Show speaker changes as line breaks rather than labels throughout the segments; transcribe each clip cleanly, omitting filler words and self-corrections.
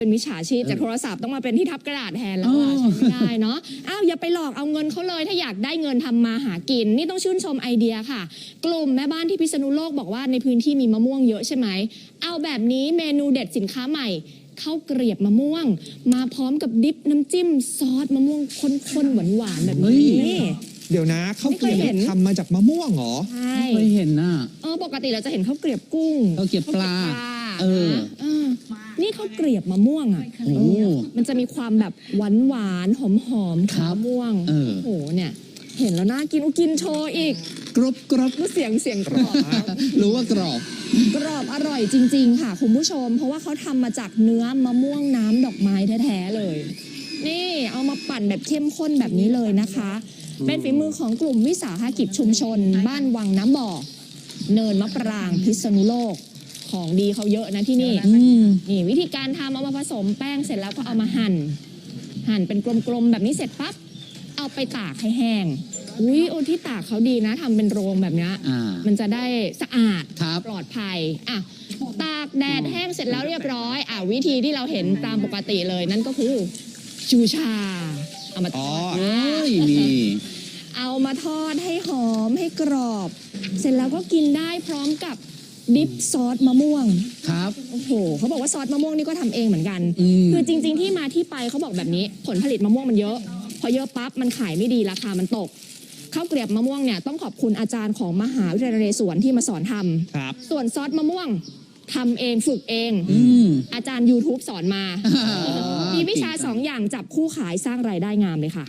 เป็นมิจฉาชีพจากโทรศัพท์ต้องมาเป็นที่ทับกระดาษแทนแล้วอ่ะใช้ไม่ได้เนาะอย่าไปหลอกเอาเงินเขาเลยถ้าอยากได้เงินทำมาหากินนี่ต้องชื่นชมไอเดียค่ะกลุ่มแม่บ้านที่พิษณุโลกบอกว่าในพื้นที่มีมะม่วงเยอะใช่ไหมเอาแบบนี้เมนูเด็ดสินค้าใหม่ข้าวเกลียบมะม่วงมาพร้อมกับดิปน้ำจิ้มซอสมะม่วงข้นๆหวานๆแบบนี้
เดี๋ยวนะข้าวเกลียบทำมาจากมะม่วงเหรอ
ใช่
ไม่เคยเห็นน่ะ
ปกติเราจะเห็นข้าวเกลียบกุ้ง
ข้าวเกลียบปลา
นี่ข้าวเกลียบมะม่วงอ่ะมันจะมีความแบบหวานหอมของมะม่วงโอ้โหเนี่ยเห็นแล้วน่ากินกินโชว์อีก
กรอบ
เสียงกรอบ
รู้ว่ากรอบ
อร่อยจริงๆค่ะคุณผู้ชมเพราะว่าเขาทำมาจากเนื้อมะม่วงน้ำดอกไม้แท้ๆเลยนี่เอามาปั่นแบบเข้มข้นแบบนี้เลยนะคะเป็นฝีมือของกลุ่มวิสาหกิจชุมชนบ้านวังน้ำบ่อเนินมะปรางพิษณุโลกของดีเขาเยอะนะที่นี่นี่วิธีการทำเอามาผสมแป้งเสร็จแล้วก็เอามาหั่นเป็นกลมๆแบบนี้เสร็จปั๊บเอาไปตากให้แห้งที่ตากเขาดีนะทำเป็นโรงแบบนี้มันจะได้สะอาดปลอดภัยตากแดดแห้งเสร็จแล้วเรียบร้อยวิธีที่เราเห็นตามปกติเลยนั่นก็คือจูชาเอามาทอดเอามาทอดให้หอมให้กรอบเสร็จแล้วก็กินได้พร้อมกับดิปซอสมะม่วง
ครับ
โอ้โหเขาบอกว่าซอสมะม่วงนี่ก็ทำเองเหมือนกันคือจริงๆที่มาที่ไปเขาบอกแบบนี้ผลผลิตมะม่วงมันเยอะพอเยอะปั๊บมันขายไม่ดีราคามันตกข้าวเกลียบมะม่วงเนี่ยต้องขอบคุณอาจารย์ของมหาวิทยาลัยนเรศวรที่มาสอนทำส่วนซอสมะม่วงทำเองฝึกเองอาจารย์ YouTube สอนมามีวิชา2 อย่างจับคู่ขายสร้างรายได้งามเลยค่ะ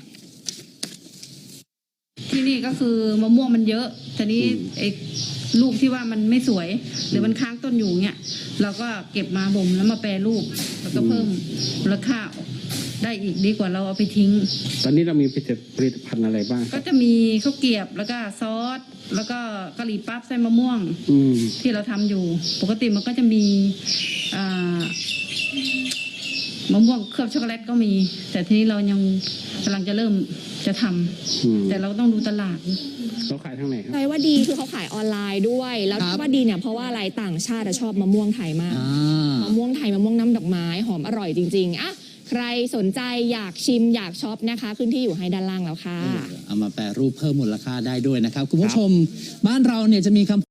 ที่นี่ก็คือมะม่วงมันเยอะแต่นี้ลูกที่ว่ามันไม่สวยหรือมันค้างต้นอยู่เงี้ยเราก็เก็บมาบ่มแล้วมาแปรรูปแล้วก็เพิ่มมูลค่าได้อีกดีกว่าเราเอาไปทิ้ง
ตอนนี้เรามีผลิตภัณฑ์อะไรบ้าง
ก็จะมีข้าวเกรียบแล้วก็ซอสแล้วก็กะหรี่ปั๊บไส้มะม่วงที่เราทำอยู่ปกติมันก็จะมีมะม่วงเคลือบช็อกโกแลตก็มีแต่ทีนี้เรายังกำลังจะเริ่มจะทำแต่เราต้องดูตลาด
เขาขายทางไหนครับ
ใช่ว่าดีคือเขาขายออนไลน์ด้วยแล้วที่ว่าดีเนี่ยเพราะว่าอะไรต่างชาติชอบมะม่วงไทยมากมะม่วงไทยมะม่วงน้ำดอกไม้หอมอร่อยจริงๆใครสนใจอยากชิมอยากช็อปนะคะขึ้นที่อยู่ให้ด้านล่างแล้วค่ะ
เอามาแปรรูปเพิ่มมูลค่าได้ด้วยนะครับคุณผู้ชมบ้านเราเนี่ยจะมีคำ